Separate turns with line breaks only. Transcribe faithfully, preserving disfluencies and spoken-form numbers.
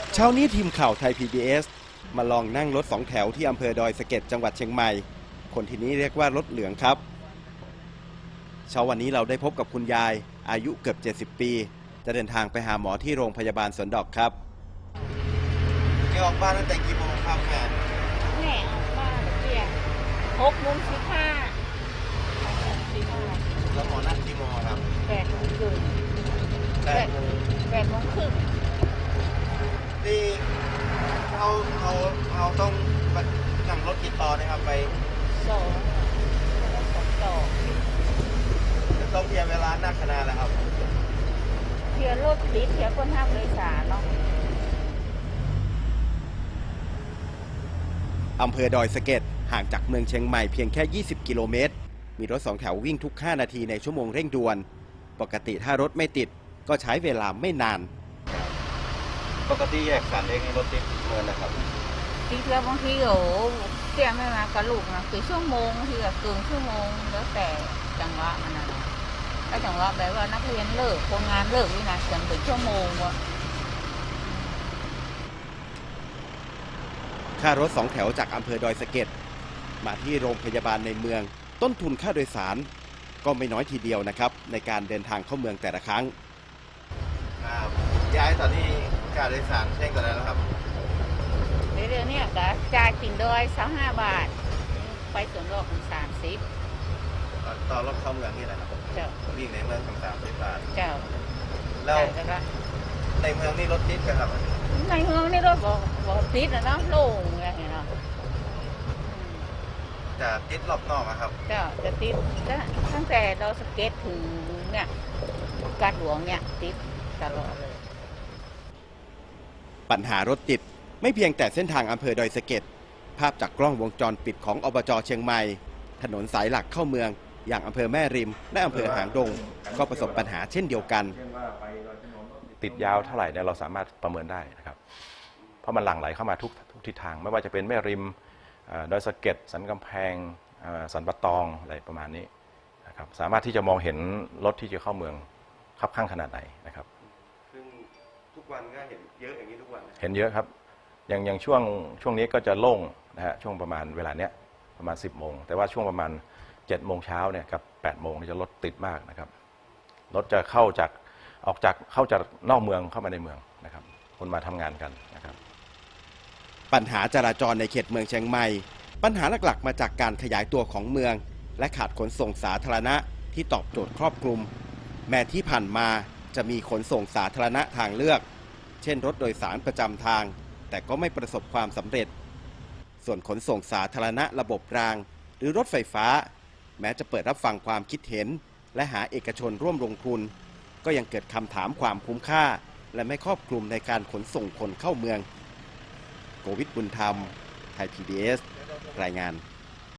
เช้านี้ทีมข่าวไทย พี บี เอส มาลองนั่งรถสองแถวที่อำเภอดอยสะเก็ดจังหวัดเชียงใหม่คนที่นี้เรียกว่ารถเหลืองครับเช้าวันนี้เราได้พบกับคุณยายอายุเกือบเจ็ดสิบปีจะเดินทางไปหาหมอที่โรงพยาบาลสวนดอกครับแกออกบ้านตั้งแต่กี่โมงครับแม่
แม่ออกบ้านเที่ยงหกโมงสิบห้า
แล้วหมอนัดกี่โมงครับ
แปดโมงครึ่งแปดแปดโมงครึ่ง
นี่เขาเขาเขาต้องนั่งรถกี่ต่อนะครับไป
สองแล้วสองต่อ
ต้องเพียเวลานักขนาดแล้วครับ
เที่ยวรถติดเที่ยวคนห้ามโดยสารเนาะ
อำเภอดอยสะเก็ดห่างจากเมืองเชียงใหม่เพียงแค่ยี่สิบกิโลเมตรมีรถสองแถววิ่งทุกห้านาทีในชั่วโมงเร่งด่วนปกติถ้ารถไม่ติดก็ใช้เวลาไม่นานปกติแยกสารเองรถติดเมืองนะครับ
ติดแล้วบางทีโอ้เที่ยวไม่มากับลูกนะคือชั่วโมงบางทีก็เกินชั่วโมงแล้วแต่จังหวะมันนะถ้าจังหวะแบบว่านักเรียนเลิกคนงานเลิกนี่นะจนถึงชั่วโมงวะ
ค่ารถสองแถวจากอำเภอดอยสะเก็ดมาที่โรงพยาบาลในเมืองต้นทุนค่าโดยสารก็ไม่น้อยทีเดียวนะครับในการเดินทางเข้าเมืองแต่ละครั้งย้ายตอนนี้ค่าโดยสารเช่นกันแล้วครับ
เดี๋ยวนี้ก็จ่ายติ่นดอยสามห้าบาทไปสวนดอกสามสิบ
ต่อรถเข้าเมืองนี่แหละครับ
เจ้า
วิ่งในเมืองสามสิบบาท
เจ้า
แล้วในเมืองนี่รถติดกันครับ
ในเมืองนี่รถบอกบอกติดนะเนาะโล่งอะไรเนาะ
จะติดรอบนอกครับ
เจ้าจะติดก็ตั้งแต่เราสเก็ตถึงเนี่ยกาดหลวงเนี่ยติดตลอดเลย
ปัญหารถติดไม่เพียงแต่เส้นทางอำเภอดอยสะเก็ดภาพจากกล้องวงจรปิดของอบจ.เชียงใหม่ถนนสายหลักเข้าเมืองอย่างอำเภอแม่ริมและอำเภอหางดงก็ประสบปัญหาเช่นเดียวกัน
ติดยาวเท่าไหร่เนี่ยเราสามารถประเมินได้นะครับเพราะมันหลั่งไหลเข้ามาทุกทุกทิศทางไม่ว่าจะเป็นแม่ริมดอยสะเก็ดสันกำแพงสันปะตองอะไรประมาณนี้นะครับสามารถที่จะมองเห็นรถที่จะเข้าเมืองคับข้างขนาดไหนนะครับ
ซึ่งทุกวันก็เห็นเยอะอย่างนี้ทุกวัน
เห็นเยอะครับอย่างอย่างช่วงช่วงนี้ก็จะโล่งนะฮะช่วงประมาณเวลาเนี้ยประมาณสิบโมงแต่ว่าช่วงประมาณเจ็ดโมงเช้าเนี่ยกับแปดโมงจะรถติดมากนะครับรถจะเข้าจากออกจากเข้าจากนอกเมืองเข้ามาในเมืองนะครับคนมาทำงานกันนะครับ
ปัญหาจราจรในเขตเมืองเชียงใหม่ปัญหาหลักๆมาจากการขยายตัวของเมืองและขาดขนส่งสาธารณะที่ตอบโจทย์ครอบคลุมแม้ที่ผ่านมาจะมีขนส่งสาธารณะทางเลือกเช่นรถโดยสารประจำทางแต่ก็ไม่ประสบความสำเร็จส่วนขนส่งสาธารณะระบบรางหรือรถไฟฟ้าแม้จะเปิดรับฟังความคิดเห็นและหาเอกชนร่วมลงทุนก็ยังเกิดคำถามความคุ้มค่าและไม่ครอบคลุมในการขนส่งคนเข้าเมืองโกวิท บุญธรรม ไทย พี บี เอส รายงาน